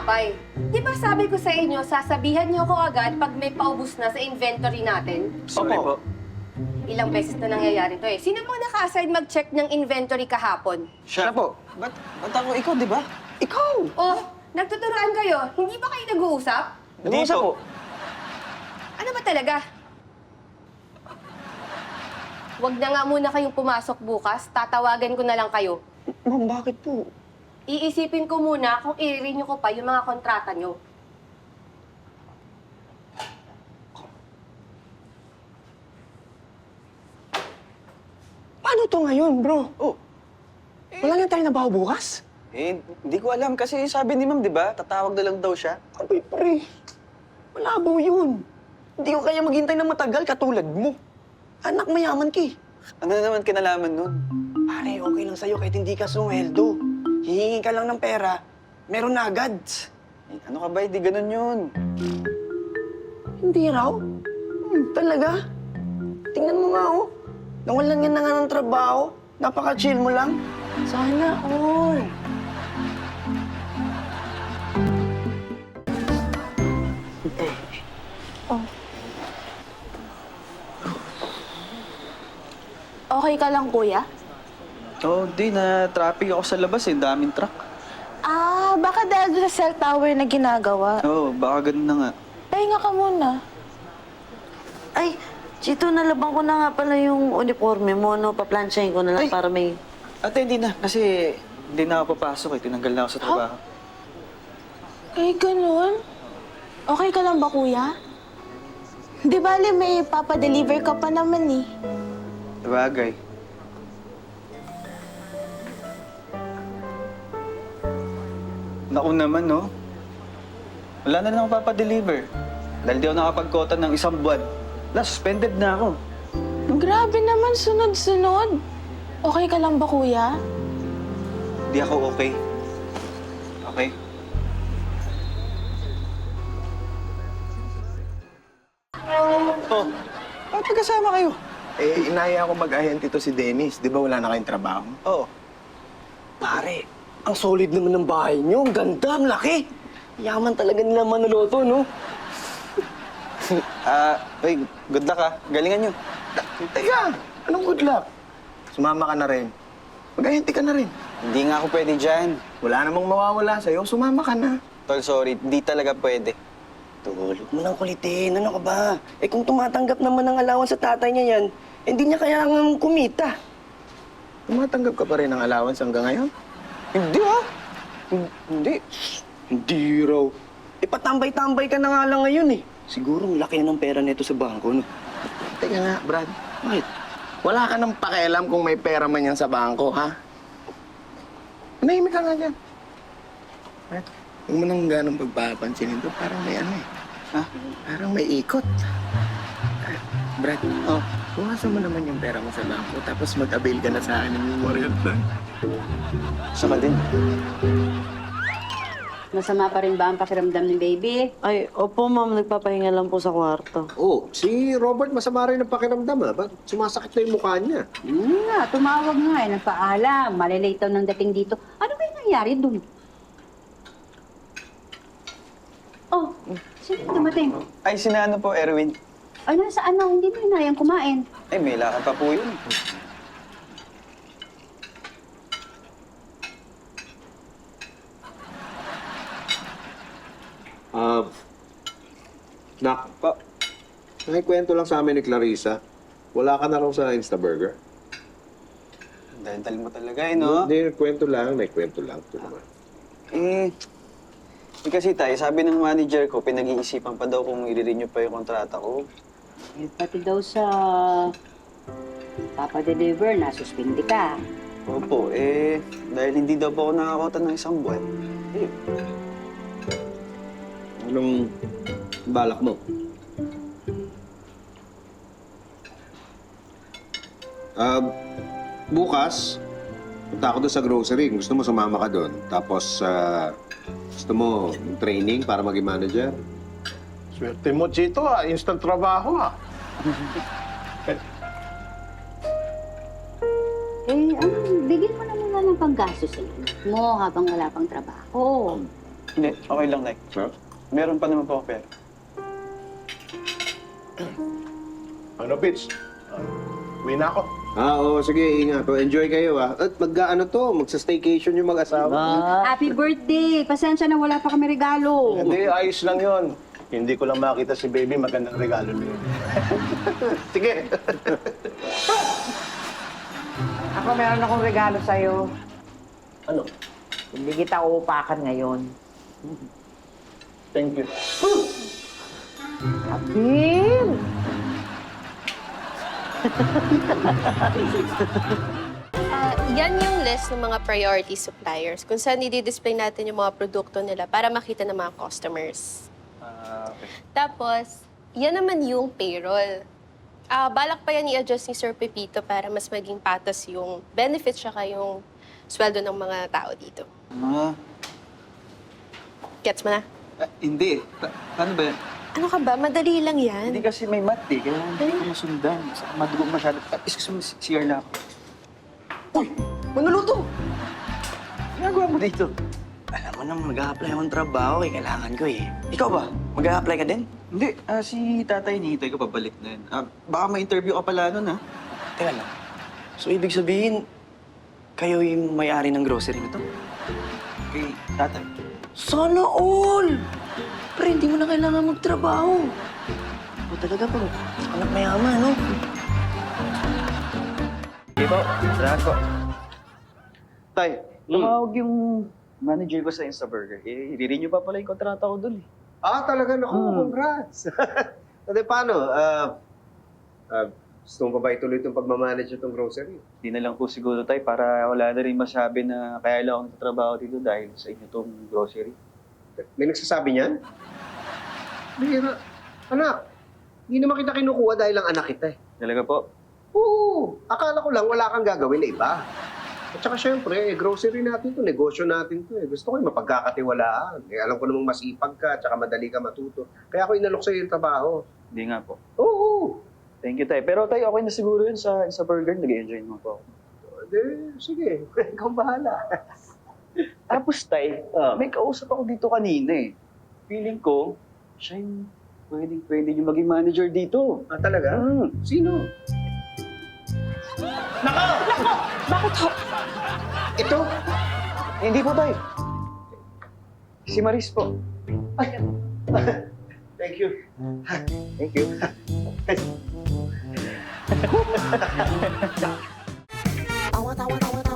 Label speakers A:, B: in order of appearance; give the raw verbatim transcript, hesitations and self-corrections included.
A: tinapay. Di ba sabi ko sa inyo, sasabihan niyo ako agad pag may paubos na sa inventory natin?
B: Sorry po.
A: Ilang beses na nangyayari to eh. Sino mo naka-assign mag-check ng inventory kahapon?
B: Siya po. Ba't, ba't ako ikaw, di ba?
C: Ikaw!
A: Oh, nagtuturoan kayo. Hindi ba kayo nag-uusap?
B: Hindi
C: Nag-uusap
B: po.
C: po.
A: Ano ba talaga? Huwag na nga muna kayong pumasok bukas. Tatawagan ko na lang kayo.
C: Ma'am, bakit po?
A: Iisipin ko muna kung i-renew ko pa yung mga kontrata nyo.
C: Paano to ngayon, bro?
B: Oh,
C: Wala na tayo nabaho bukas?
B: eh, hindi ko alam kasi sabi ni ma'am, di ba? Tatawag na lang daw siya.
C: Abay, pre. Malabo yun. Hindi ko kaya maghintay ng matagal katulad mo. Anak, mayaman ki.
B: Ano na naman kinalaman nun?
C: Pare, okay lang sa'yo kahit hindi ka sumweldo. Hihingi ka lang ng pera, meron na agad.
B: Eh, ano ka ba? Hindi ganun yun.
C: Hindi raw? Hmm, talaga? Tingnan mo nga, oh. Nawalan nga na nga ng trabaho. Napaka-chill mo lang. Sana all.
D: Okay ka lang, kuya?
B: Oo, oh, di na traffic ako sa labas eh. Daming truck.
D: Ah, baka dahil doon sa cell tower na ginagawa.
B: Oo, oh, baka ganun na nga.
D: Pahinga ka muna.
E: Ay, Chito, nalabang ko na nga pala yung uniforme mo, no? Paplansyahin ko na lang
B: Ay!
E: para may...
B: Ate, hindi na. Kasi hindi na ako papasok eh. Tinanggal na ako sa trabaho.
D: Eh, ganun? Okay ka lang ba, kuya? Di bali, may papadeliver ka pa naman eh.
B: Bagay. Naku naman, no? Wala na lang ako papadeliver. Dahil di ako nakapagkota ng isang buwan. Na, suspended na ako.
D: Grabe naman, sunod-sunod. Okay ka lang ba, kuya?
B: Di ako okay. Okay? Oh, bakit magkasama kayo?
F: Eh, inaya ako mag-ahente to si Dennis. Di ba wala na kayong trabaho?
B: Oo.
C: Pare, ang solid naman ng bahay niyo. Ang ganda, ang laki. Yaman talaga nila Manaloto, no?
B: Ah, uy, good luck ah. Galingan nyo.
F: Teka, anong good luck? Sumama ka na rin. Mag-ahente ka na rin.
B: Hindi nga ako pwede dyan.
F: Wala namang mawawala sa'yo, sumama ka na.
B: Tol, sorry. Hindi talaga pwede.
C: Tol, huwag mo nang kulitin. Ano ka ba? Eh kung tumatanggap naman ng allowance sa tatay niya yan, hindi niya kailangan kumita.
F: Tumatanggap ka pa rin ng allowance hanggang ngayon?
B: Hindi ah. Hindi.
C: Hindi raw. Eh patambay-tambay ka na nga lang ngayon eh. Siguro ang laki na ng pera nito sa bangko, no?
F: Teka nga, Brad.
C: Bakit?
F: Wala ka nang pakialam kung may pera man yan sa bangko, ha? Manahimik ka nga dyan. Brad, huwag mo nang ganong pagpapansinin to. Parang may ano eh.
B: Ha?
F: Parang may ikot. Ah, Brad,
B: Oh.
F: bukasan mo naman yung pera mo sa bangko tapos mag-avail ka na sa akin ng memorial plan.
B: Saka din.
G: Masama pa rin ba ang pakiramdam ni baby?
E: Ay, opo, ma'am. Nagpapahinga lang po sa kwarto.
H: Oh, si Robert masama rin ang pakiramdam, ah. Ba't sumasakit na yung mukha niya?
G: Hmm nga, tumawag nga eh, nagpaalam. Malilate daw ng dating dito. Ano ba yung nangyari dun? Oh, sino dumating?
B: Ay, sina ano po, Erwin?
G: Ay, nasa ano, hindi mo inayang kumain.
B: Ay, may lakad pa po yun.
H: Ah, nak, pa, nakikwento lang sa amin ni Clarissa. Wala ka na raw sa Instaburger.
B: Dahil mo talaga eh, no?
H: Hindi, kwento lang, nakikwento lang. Ito naman.
B: Eh, eh, kasi tayo, sabi ng manager ko, pinag-iisipan pa daw kung i-renew pa yung kontrata ko.
G: Eh, pati daw sa papadeliver, nasuspindi ka.
B: Opo, eh, dahil hindi daw po ako nakakota ng isang buwan. Eh,
H: Anong balak mo? Ah, bukas, punta ako doon sa grocery. Gusto mo sumama ka doon. Tapos, ah, gusto mo training para maging manager?
F: Swerte mo, Chito, ah. Instant trabaho, ah.
G: Eh, ano, bigyan mo na muna ng panggastos sa mo habang wala pang trabaho.
B: Hindi, okay lang, Nay.
H: Sir?
B: Meron pa naman po ako pera.
F: Ano, Pitch? Uh, uwi na ako.
H: Ah, oo, sige, ingat. O, enjoy kayo, ah. At mag-ano to, magsa-staycation yung mag-asawa.
G: Happy birthday! Pasensya na wala pa kami regalo.
F: Hindi, ayos lang yon. Hindi ko lang makita si baby, magandang regalo niyo. Sige.
I: Ako meron akong regalo sa'yo.
F: Ano?
I: Hindi kita uupakan ngayon.
F: Thank you.
I: Abin!
A: Ah, yan yung list ng mga priority suppliers kung saan i-display natin yung mga produkto nila para makita ng mga customers.
B: Ah, okay.
A: Tapos, yan naman yung payroll. Ah, balak pa yan i-adjust ni Sir Pepito para mas maging patas yung benefits tsaka yung sweldo ng mga tao dito.
B: Ah,
A: Gets mo na?
B: ah, hindi. Pa- paano ba yan?
A: Ano ka ba? Madali lang yan.
B: Hindi kasi may mat eh, kaya hindi ko masundan. Saka madugo masyado. Ah, excuse me, C R na ako.
C: Uy! Manuluto!
B: Ginagawa mo dito?
C: Alam mo naman, mag-a-apply akong trabaho eh. Kailangan ko eh. Ikaw ba? Mag-a-apply ka din?
B: Hindi, ah, si tatay hinihintay ko pabalik na yun. Ah, baka ma-interview ka pala nun, ah.
C: Teka lang. So, ibig sabihin, kayo yung may-ari ng grocery na to?
B: Kay tatay.
C: Sana all! Pero hindi mo na kailangan magtrabaho. O talaga pag anak mayaman, no?
B: Hindi po, salamat po. Tay, tumawag yung manager ko sa Instaburger. Eh, i-renew pa pala yung kontrata ko dun eh.
H: Ah, talaga? Naku,
B: Hmm.
H: congrats. Ate, paano? Ah, ah, gusto mo pa ba ituloy itong pagmamanage itong grocery?
B: Hindi na lang po siguro tay para wala na rin masabi na kaya lang akong trabaho dito dahil sa inyo tong grocery.
H: May nagsasabi niyan? Bihira. Anak, hindi naman kita kinukuha dahil lang anak kita eh.
B: Talaga po?
H: Oo, akala ko lang wala kang gagawin na iba. At saka syempre, eh, grocery natin to, negosyo natin to eh. Gusto ko yung mapagkakatiwalaan. Eh, alam ko namang masipag ka, at saka madali ka matuto. Kaya ako inalok sa'yo yung trabaho.
B: Hindi nga po.
H: Oo.
B: Thank you tay. Pero tay, okay na siguro yun sa Instaburger. Nag-enjoy naman po ako.
H: De, sige, ikaw bahala.
B: Tapos tay, may kausap ako dito kanina eh. Feeling ko, siya yung pwedeng pwede yung maging manager dito.
H: Ah, talaga?
B: Hmm.
H: Sino?
A: Bakit ho?
H: Ito?
B: Eh, hindi po tay. Si Maris po.
H: Thank you.
B: Thank you.
E: Awat, awat, awat,